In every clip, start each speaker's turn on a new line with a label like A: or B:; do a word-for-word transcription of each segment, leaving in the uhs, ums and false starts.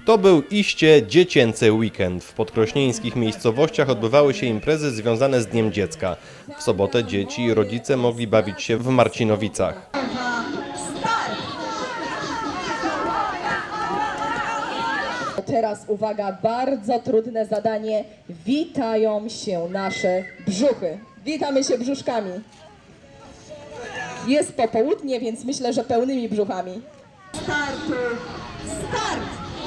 A: To był iście dziecięcy weekend. W podkrośnieńskich miejscowościach odbywały się imprezy związane z Dniem Dziecka. W sobotę dzieci i rodzice mogli bawić się w Marcinowicach.
B: Teraz uwaga, bardzo trudne zadanie. Witają się nasze brzuchy. Witamy się brzuszkami. Jest popołudnie, więc myślę, że pełnymi brzuchami. Startu! Start!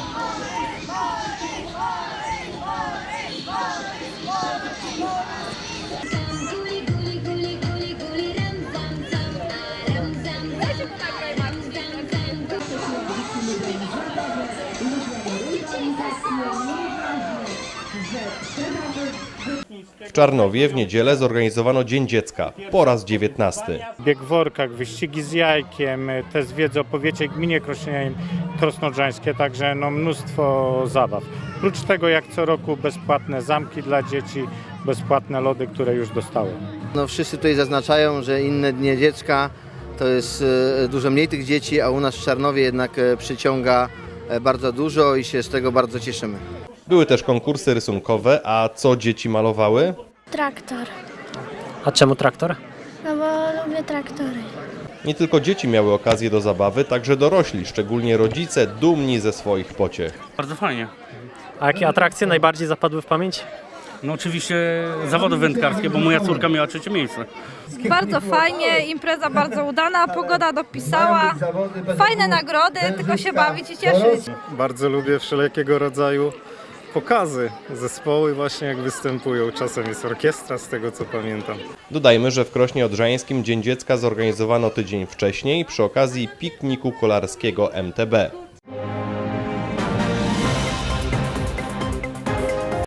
A: W Czarnowie w niedzielę zorganizowano Dzień Dziecka, po raz dziewiętnasty.
C: Bieg w workach, wyścigi z jajkiem, te z wiedzy o powiecie gminie krosnodrzańskie, także no mnóstwo zabaw. Oprócz tego jak co roku bezpłatne zamki dla dzieci, bezpłatne lody, które już dostałem.
D: No, wszyscy tutaj zaznaczają, że inne dnie dziecka to jest e, dużo mniej tych dzieci, a u nas w Czarnowie jednak e, przyciąga e, bardzo dużo i się z tego bardzo cieszymy.
A: Były też konkursy rysunkowe, a co dzieci malowały?
E: Traktor.
F: A czemu traktor?
E: No bo lubię traktory.
A: Nie tylko dzieci miały okazję do zabawy, także dorośli, szczególnie rodzice, dumni ze swoich pociech.
G: Bardzo fajnie.
F: A jakie atrakcje najbardziej zapadły w pamięć?
G: No oczywiście zawody wędkarskie, bo moja córka miała trzecie miejsce.
H: Bardzo fajnie, impreza bardzo udana, pogoda dopisała, fajne nagrody, tylko się bawić i cieszyć.
I: Bardzo lubię wszelkiego rodzaju pokazy, zespoły właśnie jak występują. Czasem jest orkiestra, z tego co pamiętam.
A: Dodajmy, że w Krośnie Odrzańskim Dzień Dziecka zorganizowano tydzień wcześniej przy okazji pikniku kolarskiego M T B.